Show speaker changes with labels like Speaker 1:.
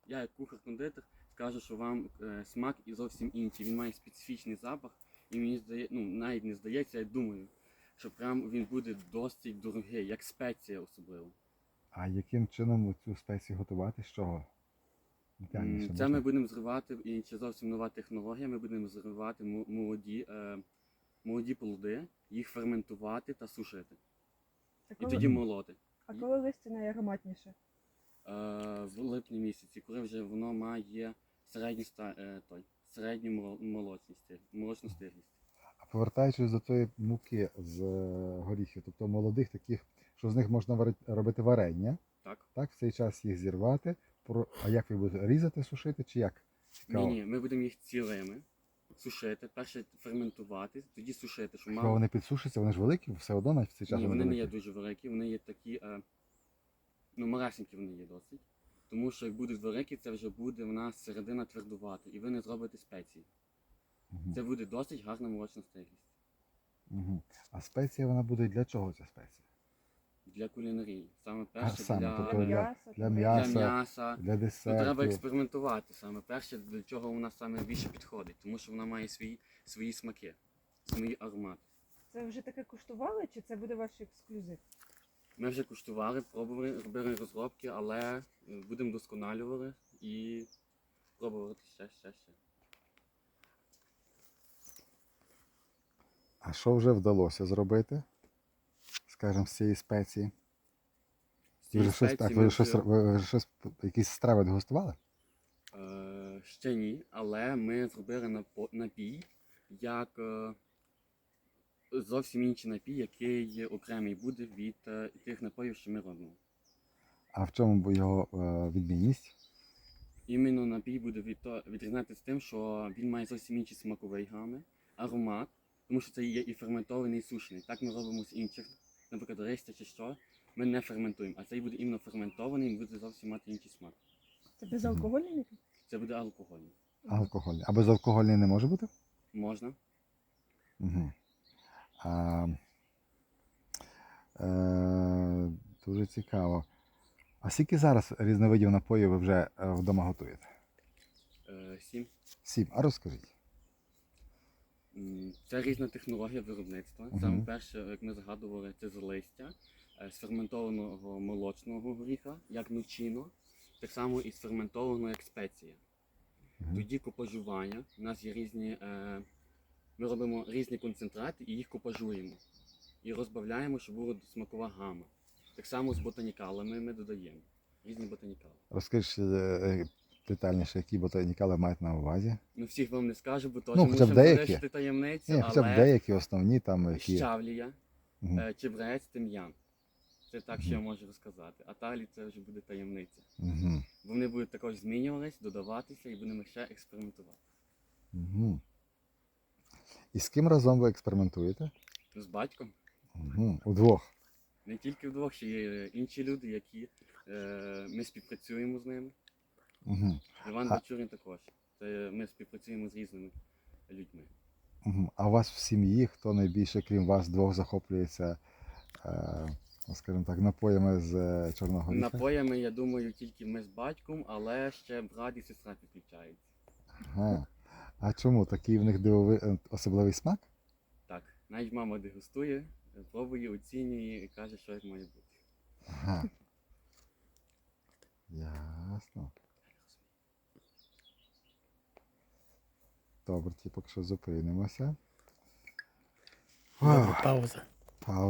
Speaker 1: Я як кухар-кондитер скажу, що вам смак і зовсім інший. Він має специфічний запах, і мені здається, навіть не здається, я думаю, що прям він буде досить дорогий, як спеція особливо.
Speaker 2: А яким чином цю спецію готувати? З чого? Детальніше
Speaker 1: Це
Speaker 2: можна?
Speaker 1: ми будемо зривати, і це зовсім нова технологія, ми будемо зривати молоді плоди, їх ферментувати та сушити.
Speaker 3: А
Speaker 1: І
Speaker 3: коли,
Speaker 1: тоді молоти.
Speaker 3: а коли листя найароматніше?
Speaker 1: В липні місяці, коли вже воно має середню молочну стиглість.
Speaker 2: А повертаючись до тої муки з горіхів, тобто молодих таких, що з них можна робити варення,
Speaker 1: Так?
Speaker 2: так, в цей час їх зірвати, а як ви будете різати, сушити чи як? Цікаво.
Speaker 1: Ні, ми будемо їх цілими сушити, перше ферментувати, тоді сушити, щоб
Speaker 2: Якщо вони підсушаться, вони ж великі, все одно навіть в цей час
Speaker 1: Ні, вони не
Speaker 2: великі.
Speaker 1: є дуже великі, вони є такі, малесенькі вони є досить. Тому що як будуть великі, це вже буде в нас середина твердувати, і ви не зробите спеції.
Speaker 2: Мгм.
Speaker 1: Це буде досить гарна молочна стиглість.
Speaker 2: Мгм. А спеція вона буде для чого ця спеція?
Speaker 1: Для кулінарії. Саме перше
Speaker 2: саме,
Speaker 1: для,
Speaker 2: тобто
Speaker 3: Для
Speaker 2: для
Speaker 3: м'яса?
Speaker 2: для
Speaker 3: туди?
Speaker 2: м'яса.
Speaker 1: для м'яса.
Speaker 2: Для
Speaker 1: Ну, треба
Speaker 2: десерту.
Speaker 1: експериментувати саме перше, до чого вона саме більше підходить, тому що вона має свої смаки, свої аромати.
Speaker 3: Це вже таке куштували, чи це буде ваш ексклюзив?
Speaker 1: Ми вже куштували, пробували, робили розробки, але будемо досконалювати і пробувати ще.
Speaker 2: А що вже вдалося зробити, скажімо, з цієї спеції?
Speaker 1: Ці
Speaker 2: Ви вже щось,
Speaker 1: спеції
Speaker 2: так,
Speaker 1: ми
Speaker 2: ви вже щось, якісь страви дегустували?
Speaker 1: Ще ні, але ми зробили напій, як зовсім інший напій, який окремий буде від тих напоїв, що ми робимо.
Speaker 2: А в чому б його відмінність?
Speaker 1: Іменно напій буде відрізнятися тим, що він має зовсім інші смакові гами, аромат, тому що це є і ферментований, і сушений. Так ми робимо з інших, наприклад, листя чи що, ми не ферментуємо, а цей буде іменно ферментований, він буде зовсім мати інший смак.
Speaker 3: Це безалкогольний напій?
Speaker 1: Це буде алкогольний.
Speaker 2: Алкогольний. А безалкогольний не може бути?
Speaker 1: Можна.
Speaker 2: Угу. Дуже цікаво. А скільки зараз різновидів напоїв ви вже вдома готуєте?
Speaker 1: 7.
Speaker 2: 7. А розкажіть.
Speaker 1: Це різна технологія виробництва.
Speaker 2: Мгм.
Speaker 1: Саме перше, як ми згадували, це з листя, з ферментованого молочного горіха, як нучино, так само і з ферментованого як спеція.
Speaker 2: Мгм.
Speaker 1: Тоді купажування. У нас є різні, ми робимо різні концентрати і їх купажуємо. І розбавляємо, щоб була смакова гама. Так само з ботанікалами ми додаємо. Різні ботанікали.
Speaker 2: Розкажіть детальніше, які ботанікали мають на увазі.
Speaker 1: Ну всіх вам не скажу, бо теж
Speaker 2: Ну, хоча б
Speaker 1: мусимо
Speaker 2: деякі.
Speaker 1: залишити таємницю,
Speaker 2: Ні, хоча б
Speaker 1: але
Speaker 2: деякі основні там, які.
Speaker 1: щавлія,
Speaker 2: Мгм.
Speaker 1: чебрець, тим'ян. Це так, що я можу розказати. А далі це вже буде таємниця.
Speaker 2: Угу.
Speaker 1: Бо вони будуть також змінюватись, додаватися і будемо ще експериментувати.
Speaker 2: Угу. І з ким разом ви експериментуєте?
Speaker 1: З батьком.
Speaker 2: Угу. Удвох.
Speaker 1: Не тільки вдвох, ще є інші люди, які ми співпрацюємо з ними.
Speaker 2: Угу.
Speaker 1: Іван
Speaker 2: А-
Speaker 1: Бачурин також. Це ми співпрацюємо з різними людьми.
Speaker 2: Угу. А у вас в сім'ї хто найбільше, крім вас двох, захоплюється, скажімо так, напоями з чорного горіха?
Speaker 1: Напоями, я думаю, тільки ми з батьком, але ще брат і сестра підключаються.
Speaker 2: Ага. А чому? Такий в них особливий смак?
Speaker 1: Так, навіть мама дегустує, пробує, оцінює і каже, що як має бути.
Speaker 2: Ага. Ясно. Добре, поки що зупинимося.
Speaker 4: Добре, пауза.